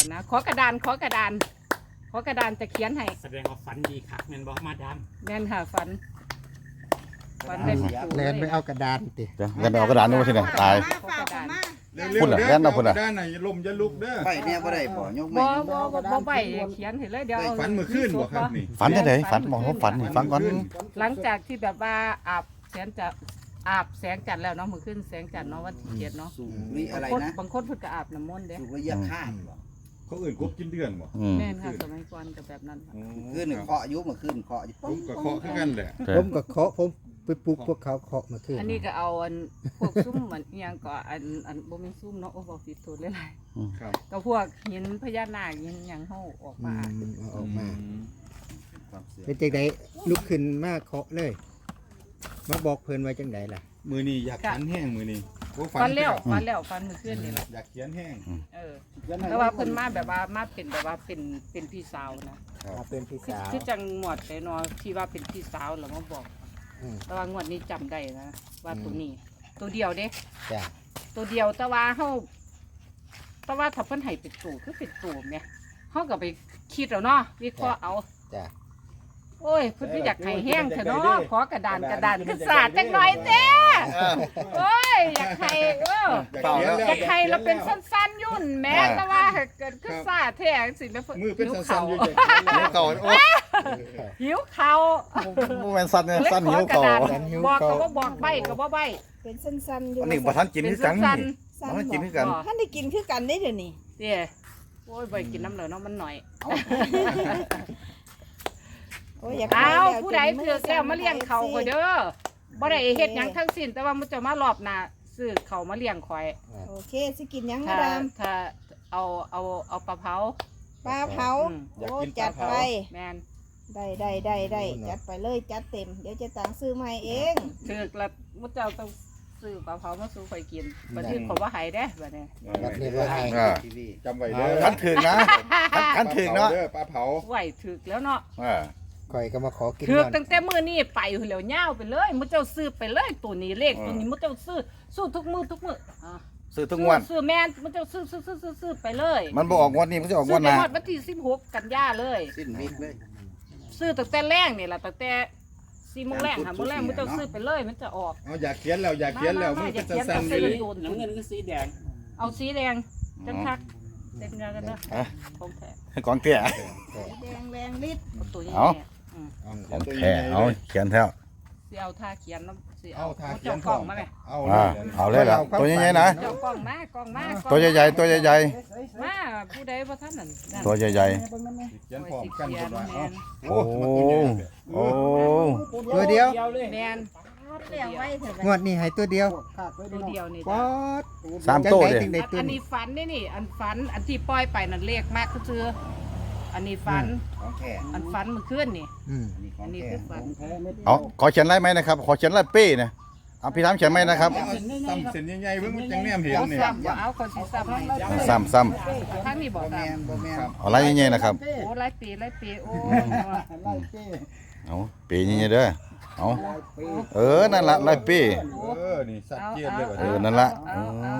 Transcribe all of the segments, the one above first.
นะขอกระดานจะเขียนให้แสดงว่าฝันดีคักแม่นบ่มาดามแม่นค่ะฝันได้ประตูแลนไปเอากระดานติเดี๋ยวเล่นไปเอากระดานนู้นที่ไหนตายขอกระดานพุ่นน่ะแล่นเอาพุ่นน่ะด้านไหนลมจะลุกเด้อไปเนี่ยบ่ได้บ่ยกไม่บ่ใบเขียนให้เลยเดี๋ยวเอาฝันเมื่อคืนบ่ครับนี่ฝันได้ไหนฝันบอกว่าฝันนี่ฟังก่อนหลังจากที่แบบว่าอาบแสงจันทร์แล้วเนาะมื้อขึ้นแสงจันทร์เนาะวันที่7เนาะสูงนี่อะไรนะบางคนเพิ่นก็อาบน้ำมนต์เด้สูงว่ายาฆ่าบ่เขาอื่นกบกินเดือนบ่แม่นค่ะสมัยก่อนก็แบบนั้นขึ้นเคาะยุมาขึ้นเคาะอยู่ผมก็เคาะคือกันแหละผมก็เคาะผมไปปลุกพวกเขาเคาะมาขึ้นอันนี้ก็เอาอันพวกซุ้มมันอิหยังก็อันบ่แม่นซุ้มเนาะโอ้บ่ผิดโทษหลายครับๆก็พวกหินพญานาคหินหยังเฮาออกมาเอาออกมาความเสื่อมเป็นจังไดลุกขึ้นมาเคาะเลยมาบอกเพิ่นไว้จังไดล่ะมือนี้อยากฝันแห้งมือนี้โอ้ฟันแล้วมื้อคืนนี่แหละอยากเขียนแห้งแต่ว่าเพิ่นมาแบบว่ามาเป็นแบบว่าเป็นพี่สาวนะมาเป็นพี่สาวคือจังหมวดแต่เนาะที่ว่าเป็นพี่สาวแล้วมาบอก แต่ว่างวดนี้จำได้นะว่าตัวนี้ ตัวเดียวเด้จ้ะตัวเดียวแต่ว่าถ้าเพิ่นให้เป็นตู่คือเป็นตู่แม่เฮาก็ไปคิดเอาเนาะวิเคราะห์เอาจ้ะโอ้ยเพิ่นก็อยากให้แห้งเถอะเนาะขอกระดานคือสาดจังหน่อยเด้โอ้ยอยากให้อยากให้เราเป็นสั้นๆยุ่นแม้แต่ว่าเกิดคือสาดแท้สิแล้วมือเป็นสั้นๆอยู่หิวเก่าโอ้หิวเขาโมเมนต์สั้นเนี่ยสั้นหิวเก่าบอกก็บ่บอกใบก็บ่ใบเป็นสั้นๆอยู่อันนี้บ่ทันกินเป็นคือกันสั้นสั้นบ่ทันกินบ่คือกันท่านได้กินคือกันได้เดี๋ยวนี้ๆเด้โอ้ยบ่กินน้ำเหลือเนาะมันหน่อยโอ้ยอยากอ้าวแล้วผู้ใดเถือกแล้วมาเลี้ยงเขาข่อยเด้อบ่ได้เฮ็ดหยังทั้งสิ้นแต่ว่ามันจะมารอบหน้าซื้อเขามาเลี้ยงข่อยโอเคสิกินหยังมาถ้าดามถ้าเอาปลาเผาปลาเผาอืมโอ้จัดไปแม่นได้จัดไปเลยจัดเต็มเดี๋ยวจะตังซื้อมาให้เองเถือกแล้วมุเจ้าต้องซื้อปลาเผามาสู่ข่อยกินบัดนี้เขาบ่ให้เด้บัดนี้แบบนี้ว่าให้ทีวีจำไว้เด้อคันถึงนะคันถึงเนาะเด้อปลาเผาไหวถึกแล้วเนาะข่อยก็มาขอกินถือกก่อนตั้งแต่มื้อนี้ไปเหลียวย่าวไปเลยมุเจ้าซื้อไปเลยตัวนี้เลขตัวนี้มุเจ้าซื้อทุกมื้ออ่าซื้อทุกงวดซื้อแม่นมุเจ้าซื้อไปเลยมันบ่ออกงวดนี้มันจะออกงซื้วอดไปหน้าฮอดวันที่16กันยาเลยสิ้นวิกเลยซื้อตั้งแต่แรงนี่ล่ะตั้งแต่4 โมงแรง5 โมงแรงมุเจ้าซื้อไปเลยมันจะออกเอาอยากเขียนแล้วอยากเขียนแล้วมือเป็นสั้นๆอยู่น้ำเงินคือสีแดงเอาสีแดงจังคักเต็มกันนะของแท้ของเตี้ยแดงแรงฤทธิ์เอาตัวนี้เอา ของแท้เอาเขียนแท้สิเอาท่าเขียนน้ำสิเอาทาเขียเจ้าน กล้องมาไหมเอาเอาเลยล่ะตัวใหญ่ๆนะเจ้ากล้องมากล้องมาตัวใหญ่ๆตัวใหญ่มาผู้ใดบ่ทันนั่นนั่นๆตัวใหญ่เขียนพร้อมกันเขียเพิ่นนว่าแม่เอ้าน โอ้มันตัวใหญ่เลยโอ้ตัวเดียวแม่นเลี้ยงไว้เถอะงวดนี้ให้ตัวเดียวตัวเดียวนี่ป๊อดสามตัวจังเด้ไดถึงได้ตัวอันนี้นี้ฝันนี่อันฝันอันที่ปล่อยไปนั่นเลขมากก็คืออันนี้ฝันของแท้อันฝันเมื่อคืนนี่อืมนี่ขออังนนี้แท้คือฝันเอาขอเขียนไล่ไหมนะครับขอเขียนไล่เป้นะเอาพี่ถามเขียนไหมนะครับเอาซ้ำเส้นใหญ่ๆเบิ่งมันจังแนมเห็นเอานี่ซ้ำบ่เอาคนสิซ้ำให้ซ้ำทั้งนี้บ่บ่ซ้แม่นบ่แม่นเอาไล่ใหญ่ๆนะครับำโอ้หลายปีโอ้เอาเป้ใหญ่ๆเด้อเอานั่นละไล่เป้นี่สัตว์เจียนเลยว่ะนั่นละเอา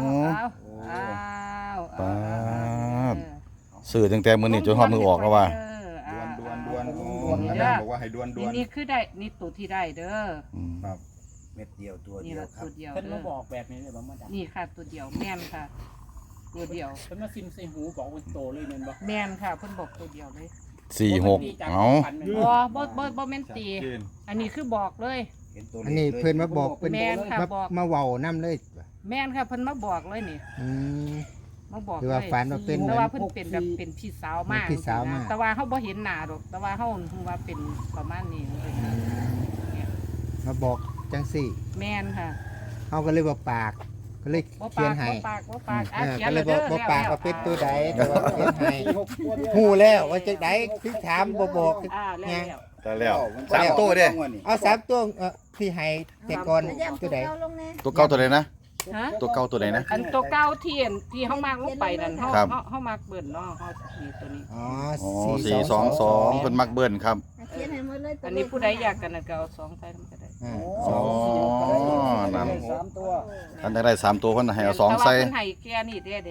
ปาด ซื้อตั้งแต่มื้อนี้จนฮอดมือออกแล้วว่าดวนโอ้อาจารย์บอกว่าให้ดวนนี่คือได้นี่ตัวที่ได้เด้อเม็ดเดียวตัวนี่เดียวละครัตับวเดียวเพิ่นเด้มาอบอกแบบนี้เลยบ่มาดามนี่ค่ะตัวเดียวแม่นค่ะ ตัวเดียวเพิ่นมาซิมใส่หูบอกว่าโตเลยแม่นบ่แม่นค่ะเพิ่นบอกตัวเดียวเลย 46เอาบ่แม่นตี อันนี้คือบอกเลยเห็นตัวอันนี้เพิ่นมาบอกเพิ่นแม่นค่ะบอกมาเว้านํเลยแม่นค่ะเพิ่นมาบอกเลยนี่อืมมาบอกคือว่าฝันว่าเป็นแต่ว่าเพิ่นเป็นแบบเป็นพี่สาวมากเป็นพี่สาวมากแต่ว่าเฮาบ่เห็นหน้าดอก แต่ว่าเฮาฮู้ว่าเป็นประมาณนี้มาบอกจังสี่แม่นค่ะเฮาก็เลยบ่ปากก็เลยบ่เขียปาน กให้บ่ปากอ่ะเขียนก็เลแล้ยว บ่เด้อบ่ปากแล้วว่าเป็นตัวใดแต่ว่าเขียนให้ฮู้แล้วว่าจังไดคือถามบ่บอกแล้วได้แล้ว3ตัวเด้เอา3ตัวที่ให้แต่ก่อนย่ำตัวใดเก้าลงแน่ตัวเก่าตัวไหนนะฮะตัวเก่าตัวไหนนะอันตัวเก้าที่เฮามากลงไปนั่นเฮาครับเฮามากเบิ่นเนาะเฮานี่ตัวนี้อ๋ออ๋อ422เพิ่นมักเบิ้นครับเขียนให้หมดเลยตัวอันนี้ผู้ใดอยากกันน่ะก็เอา2ใส่นำก็ได้อ่าอ๋อนั่น 3ตัวท่านได้3ตัวเพิ่นให้เอา2ใส่แต่ว่าเพิ่นให้แก่นี่เด้ค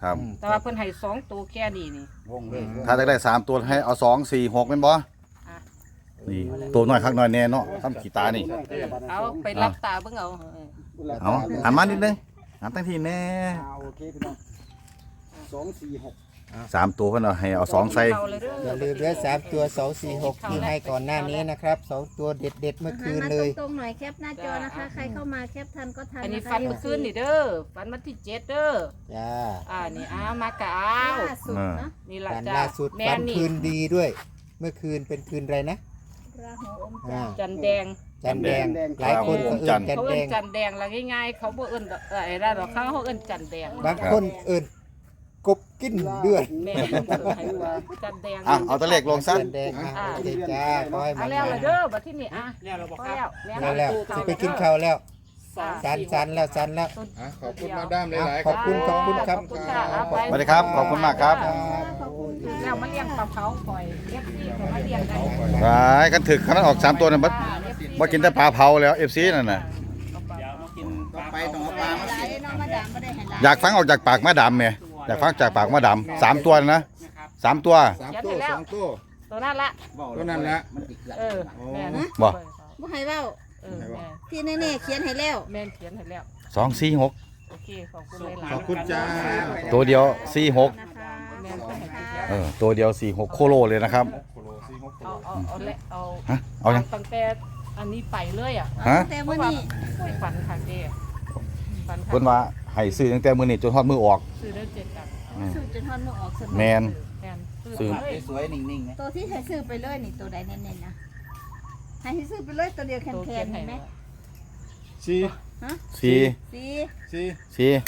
ครับแต่ว่าเพิ่นให้2ตัวแค่นี้นี่วงเลยถ้าจะได้3ตัวให้เอา2 4 6แม่นบ่นี่ตัวน้อยคักน้อยแน่เนาะทำขี้ตานี่เอาไปรับตาเบิ่งเอาเอาหันมานิดนึงหันตั้งทีแน่โอเคพี่น้อง2 4 6 3ตัวเพิ่นเอาให้เอา2ใส่เข้าเลยเด้อย่าลืมด้วย3ตัว2 4 6ที่ให้ก่อนหน้านี้นะครับ2ตัวเด็ดๆเมื่อคืนเลยตรงๆหน่อยแคปหน้าจอนะคะ ใครเข้ามาแคปทันก็ทันอันนี้ะคะฟันเมื่อคืนนี่เด้อฟันวันที่7เด้อจ้านี่มากะเอาล่าสุดเนาะนี่ล่ะฝันจ้าล่าสุดแม่ฝันนี่คืนดีด้วย เมื่อคืนเป็นคืนอะไรนะราหูอมอ่าจันทร์จันแดงจันแดงหลายคนก็เอิ้นจันเขาแดเอิ้นงจันแดงละง่ายๆเขาบ่เอิ้นไอ้นั่นหรอกเขาเอิ้นจันแดงบางคนเอิ้นกบกินเดือดแม่เพิ่นให้ว่าจันแดงเอาตัวเลขลงซะจันแดงอ่ะโอเคจ้าขอให้เอามันแล้วล่ะเด้อบัดที่นี่แล้วเราบอกพอครับแล้วแล้วสิไปกินข้าวแล้ว สันแล้วอ่ะขอบคุณมาดามหลายๆขอบคุณครับขอบคุณค่ะเอาไปสวัสดีครับขอบคุณมากครับขอบคุณค่ะแล้วมาเลี้ยงปลาเผาปล่อยเอฟซีเขามาเลี้ยงได้ไปกันถึกขนาดออก3ตัวนั่นบ่กินแต่ปลาเผาแล้ว FC นั่นน่ะเดี๋ยวมากินต่อไปต้องเอาปลามาหลาสิยเนาะมาดามไม่ได้ให้หลายอยากฟังออกจากปากมาดำแม่อยากฟังจากปากมาดำ3ตัวนะ3ตัว 3ตัว2ตัวตัวนั้นละตัวนั้นละมันติดเกลือเออแม่นบ่บ่ให้เว้าเออแม่นที่แน่ๆเขียนให้แล้วแม่นเขียนให้แล้ว 2 4 6 โอเคขอบคุณเลยหลายขอบคุณจ้าตัวเดียว4 6 นะคะแม่นเพิ่นให้ติดแล้วตัวเดียว4 6โคโลเลยนะครับโคโล4 6 เอาและเอาฮะเอายังตั้งแต่อันนี้ไปเลยอ่ะฮะแต่เพมื้ราะอว่านี้คุยฝันค่ะเด้ฝันค่ะเพิ่นว่าให้ซื้อตั้งแต่มื้อนี้จนฮอดมื้อออกซื้อได้7กันซื้อจนฮอดมื้อออกสแมนแม่นซื้อเลยสวยๆนิ่งๆนะตัวที่ให้ซื้อไปเลยนี่ตัวใดเน้นๆนะให้ซื้อไปเลยตัวเดียวแตัวข็เขียงนๆให้เห็นไหมแล้ว 4 4 สี 4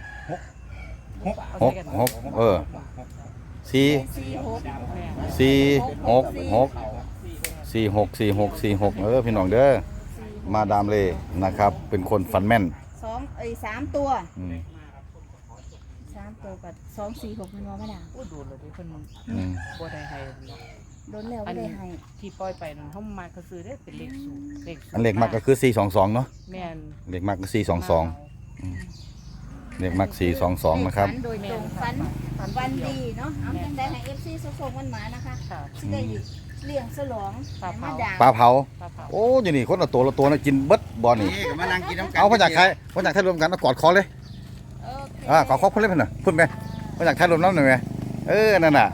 เอาใส่กัน 6 4 สีหกแม่น 4 6 6 4 6 4 6พี่น้องเด้อมาดามเลนะครับ เป็นคนฟันแม่นสามตัวอืม 3ตัวกับ246มันว่าไม่ได้โอ้โดนเลยที่เพิ่นอืมบ่ได้ให้เนาะโดนแล้วไม่ได้ให้ที่ปล่อยไปนั่นเขามาก็ซื้อได้เป็นเลขสูงเลขสูงอันเลขมากก็คือ 422 เนาะแม่นเลขมากก็422เลขมาก422 นะครับฝันโดยตรงฝันดีเนาะเอาจังได้ให้ FC ส่งๆมันหมานะคะค่ะสิได้เลี้ยงฉลองปลาเผาให้มาด่าปลาเผาปลาเผาโอ้ยนี่คนละตัวนะกินเบิดบ่นี่นี่ก็มานั่งกินน้ำกันเอาพระจากใครพระจากไทยรวมกันเอากอดคอเลยโอเคขอคอพุ่นเลยเพิ่นน่ะพุ่นไปพระจากไทยรวมน้ำหน่อยไหมนั่นน่ะ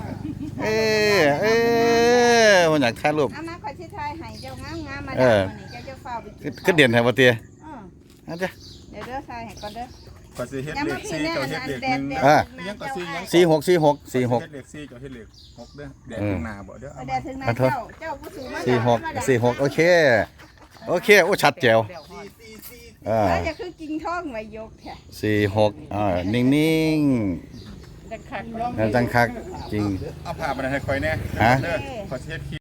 พระจากไทยรวมเอามาขอชิทายให้เจ้างามๆมาเอด่าอมานี่เจ้าฝ้าวไปกินก็เด่นแท้บ่เตี้ยเออนั่นจ้ะเดี๋ยวเด้อทายให้ก่อนเด้อก็สิเฮ็ดอย่าเลมาขพี่ 4 เนี่ยเจ้าอันเฮ็ดนั้นเลขแดด 1 แดดอ่ะยังก็4ยัง 46 46 เฮ็ดเลข4เจ้าเฮ็ดเลข6เด้อแดดข้างหน้าบ่เด้อเอาแดมาดถึงไหนขอโทษเจ้าผู้สูงมา 46 46โอเคโอชัดแจ๋วแล้วจะคือกินท้องไว้ยกแท้ 46นิ่งจะคักๆจังคักจริงเอาผ้ามาให้ค่อยแน่ฮะเด้อขอเฮ็ด